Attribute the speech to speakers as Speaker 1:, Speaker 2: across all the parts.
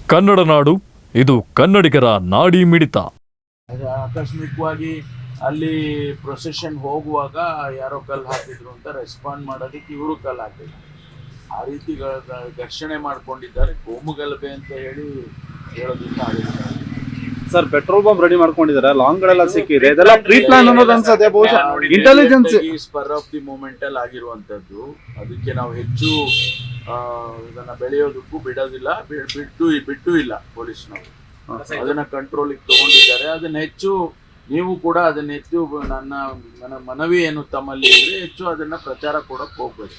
Speaker 1: ಕನ್ನಡ ನಾಡು, ಇದು ಕನ್ನಡಿಗರ ನಾಡಿ ಮಿಡಿತ.
Speaker 2: ಆಕಸ್ಮಿಕವಾಗಿ ಅಲ್ಲಿ ಪ್ರೊಸೆಷನ್ ಹೋಗುವಾಗ ಯಾರೋ ಕಲ್ಲು ಹಾಕಿದ್ರು ಅಂತ ರೆಸ್ಪಾಂಡ್ ಮಾಡೋದಕ್ಕೆ ಇವರು ಕಲ್ಲು ಹಾಕಿದ್ರು. ಆ ರೀತಿ ಘರ್ಷಣೆ ಮಾಡ್ಕೊಂಡಿದ್ದಾರೆ. ಕೋಮುಗಲಭೆ ಅಂತ ಹೇಳಿ ಹೇಳೋದಕ್ಕೆ ಆಗಿಲ್ಲ
Speaker 3: ಸರ್. ಪೆಟ್ರೋಲ್ ಬಾಂಬ್ ರೆಡಿ ಮಾಡ್ಕೊಂಡಿದ್ದಾರೆ, ಲಾಂಗ್ ಗಳೆಲ್ಲ ಸಿಕ್ಕಿದೆ. ಇದೆಲ್ಲ ಪ್ರೀ ಪ್ಲಾನ್ ಅನ್ನೋದು ಅನ್ಸುತ್ತೆ. ಬಹುಶಃ intelligence
Speaker 2: spur of the moment ಅಲ್ಲಿ ಆಗಿರುವಂತದ್ದು. ಅದಕ್ಕೆ ನಾವು ಹೆಚ್ಚು ಇದನ್ನ ಬೆಳೆಯೋದಕ್ಕೂ ಬಿಡೋದಿಲ್ಲ, ಬಿಟ್ಟು ಇಲ್ಲ. ಪೊಲೀಸ್ನವರು ಅದನ್ನ ಕಂಟ್ರೋಲಿಗೆ ತಗೊಂಡಿದ್ದಾರೆ. ಅದನ್ನ ಹೆಚ್ಚು ನೀವು ಕೂಡ ಅದನ್ನ ಹೆಚ್ಚು ನನ್ನ ಮನವಿ ಏನು ತಮ್ಮಲ್ಲಿ ಇದ್ರೆ ಹೆಚ್ಚು ಅದನ್ನ ಪ್ರಚಾರ ಕೊಡಕ್ ಹೋಗ್ಬೇಕು.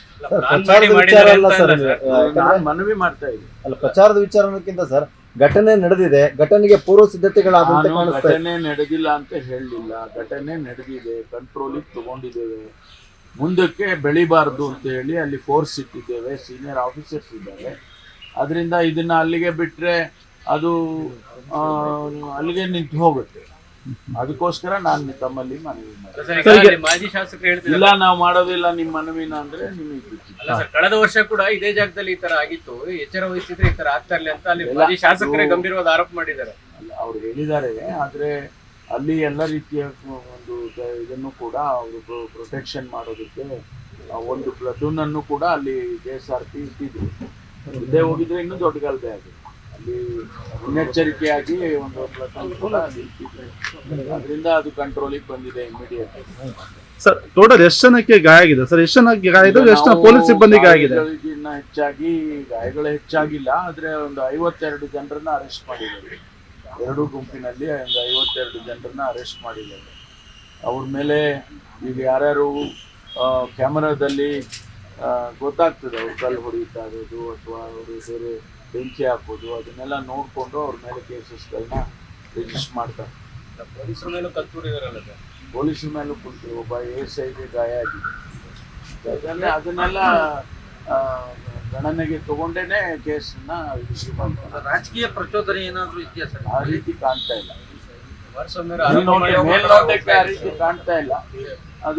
Speaker 2: ನಾನು ಮನವಿ ಮಾಡ್ತಾ ಇದ್ದೀನಿ.
Speaker 4: ಅಲ್ಲ, ಪ್ರಚಾರದ ವಿಚಾರಕ್ಕಿಂತ ಸರ್, ಘಟನೆ ನಡೆದಿದೆ, ಘಟನೆಗೆ ಪೂರ್ವ ಸಿದ್ಧತೆಗಳಾದಂತೆ ಕಾಣಿಸ್ತಾ ಇದೆ.
Speaker 2: ಘಟನೆ ನಡೆದಿಲ್ಲ ಅಂತ ಹೇಳಲಿಲ್ಲ, ಘಟನೆ ನಡೆದಿದೆ, ಕಂಟ್ರೋಲಿಗೆ ತಗೊಂಡಿದ್ದೇವೆ. ಮುಂದಕ್ಕೆ ಬೆಳಿಬಾರ್ದು ಅಂತ ಹೇಳಿ ಅಲ್ಲಿ ಫೋರ್ಸ್ ಇಟ್ಟಿದ್ದೇವೆ, ಸೀನಿಯರ್ ಆಫೀಸರ್ಸ್ ಇದ್ದಾರೆ. ಅದರಿಂದ ಇದನ್ನ ಅಲ್ಲಿಗೆ ಬಿಟ್ರೆ ಅದು ಅಲ್ಲಿಗೆ ನಿಂತು ಹೋಗುತ್ತೆ. ಅದಕ್ಕೋಸ್ಕರ ನಾನು ತಮ್ಮಲ್ಲಿ ಮನವಿ
Speaker 5: ಮಾಡ್ತೀನಿ. ಮಾಜಿ ಶಾಸಕರು ಹೇಳ್ತಿಲ್ಲ,
Speaker 2: ಇಲ್ಲ ನಾವು ಮಾಡೋದಿಲ್ಲ ನಿಮ್ಮ ಮನವಿನ ಅಂದ್ರೆ ನಿಮಗೆ
Speaker 5: ಕಳೆದ ವರ್ಷ ಕೂಡ ಇದೇ ಜಾಗದಲ್ಲಿ ಈ ತರ ಆಗಿತ್ತು, ಎಚ್ಚರ ವಹಿಸಿದ್ರೆ ಈ ತರ ಆಗ್ತಾ ಇರ್ಲಿ ಅಂತ ಅಲ್ಲಿ ಮಾಜಿ ಶಾಸಕರೇ ಗಂಭೀರವಾದ ಆರೋಪ ಮಾಡಿದ್ದಾರೆ.
Speaker 2: ಅವ್ರು ಹೇಳಿದ್ದಾರೆ. ಆದ್ರೆ ಅಲ್ಲಿ ಎಲ್ಲ ರೀತಿಯ ಒಂದು ಇದನ್ನು ಕೂಡ ಅವರು ಪ್ರೊಟೆಕ್ಷನ್ ಮಾಡೋದಕ್ಕೆ ಒಂದು ಪ್ಲಟೂನ್ ಅನ್ನು ಕೂಡ ಅಲ್ಲಿ KSRP ಇಟ್ಟಿದ್ರು. ಇದೇ ಹೋಗಿದ್ರೆ ಇನ್ನೂ ದೊಡ್ಡ ಗಲಭೆ ಆಗಿದೆ. ಅಲ್ಲಿ ಮುನ್ನೆಚ್ಚರಿಕೆಯಾಗಿ ಒಂದು ಪ್ಲಟೂನ್ ಕೂಡ ಅಲ್ಲಿ ಇಟ್ಟಿದ್ರು. ಅದರಿಂದ ಅದು ಕಂಟ್ರೋಲಿಗೆ ಬಂದಿದೆ ಇಮಿಡಿಯೇಟ್.
Speaker 3: ಸರ್, ಟೋಟಲ್ ಎಷ್ಟು ಜನಕ್ಕೆ ಗಾಯ ಆಗಿದೆ ಸರ್? ಎಷ್ಟು ಜನಕ್ಕೆ ಗಾಯ ಇದೆ? ಎಷ್ಟು ಜನ ಪೊಲೀಸ್ ಸಿಬ್ಬಂದಿ ಗಾಯ ಆಗಿದೆ?
Speaker 2: ಹೆಚ್ಚಾಗಿ ಗಾಯಗಳು ಹೆಚ್ಚಾಗಿಲ್ಲ. ಆದ್ರೆ ಒಂದು 52 ಜನರನ್ನ ಅರೆಸ್ಟ್ ಮಾಡಿದ್ದಾರೆ. ಎರಡೂ ಗುಂಪಿನಲ್ಲಿ ಒಂದು 52 ಜನರನ್ನ ಅರೆಸ್ಟ್ ಮಾಡಿದ್ದಾರೆ. ಅವ್ರ ಮೇಲೆ ಈಗ ಯಾರ್ಯಾರು ಕ್ಯಾಮರಾದಲ್ಲಿ ಗೊತ್ತಾಗ್ತದೆ ಅವ್ರು ಕಲ್ಲು ಹೊಡಿತಾ ಇರೋದು ಅಥವಾ ಅವರು ಬೇರೆ ಬೆಂಕಿ ಹಾಕೋದು, ಅದನ್ನೆಲ್ಲ ನೋಡಿಕೊಂಡು ಅವ್ರ ಮೇಲೆ ಕೇಸಸ್ಗಳನ್ನ ರಿಜಿಸ್ಟರ್ ಮಾಡ್ತಾರೆ.
Speaker 5: ಪೊಲೀಸರ ಮೇಲೂ ಕಲ್ತೂರಿದಾರಲ್ಲ ಸರ್?
Speaker 2: ಪೊಲೀಸರ ಮೇಲೂ ಕುಂತು ಒಬ್ಬ ASIಗೆ ಗಾಯ ಆಗಿದೆ. ಅದನ್ನೆಲ್ಲ ಗಣನೆಗೆ ತಗೊಂಡೇನೆ ಕೇಸನ್ನ ಇಶ್ಯೂ ಮಾಡ್ತಾರೆ.
Speaker 5: ರಾಜಕೀಯ ಪ್ರಚೋದನೆ ಏನಾದ್ರು ಇದೆಯಾ ಸರ್?
Speaker 2: ಆ ರೀತಿ ಕಾಣ್ತಾ ಇಲ್ಲ.
Speaker 5: ಮೇಲ್ನೋಟಕ್ಕೆ
Speaker 2: ಆ ರೀತಿ ಕಾಣ್ತಾ ಇಲ್ಲ. ಅದು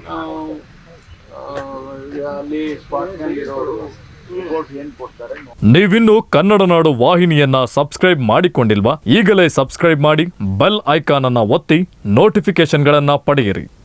Speaker 2: ಅಲ್ಲಿ ಸ್ಪಾಟ್ನಲ್ಲಿ ಇರೋರು ರಿಪೋರ್ಟ್ ಏನ್ ಕೊಡ್ತಾರೆ.
Speaker 1: ನೀವಿನ್ನು ಕನ್ನಡ ನಾಡು ವಾಹಿನಿಯನ್ನ ಸಬ್ಸ್ಕ್ರೈಬ್ ಮಾಡಿಕೊಂಡಿಲ್ವಾ? ಈಗಲೇ ಸಬ್ಸ್ಕ್ರೈಬ್ ಮಾಡಿ, ಬೆಲ್ ಐಕಾನ್ ಅನ್ನ ಒತ್ತಿ ನೋಟಿಫಿಕೇಶನ್ಗಳನ್ನ ಪಡೆಯಿರಿ.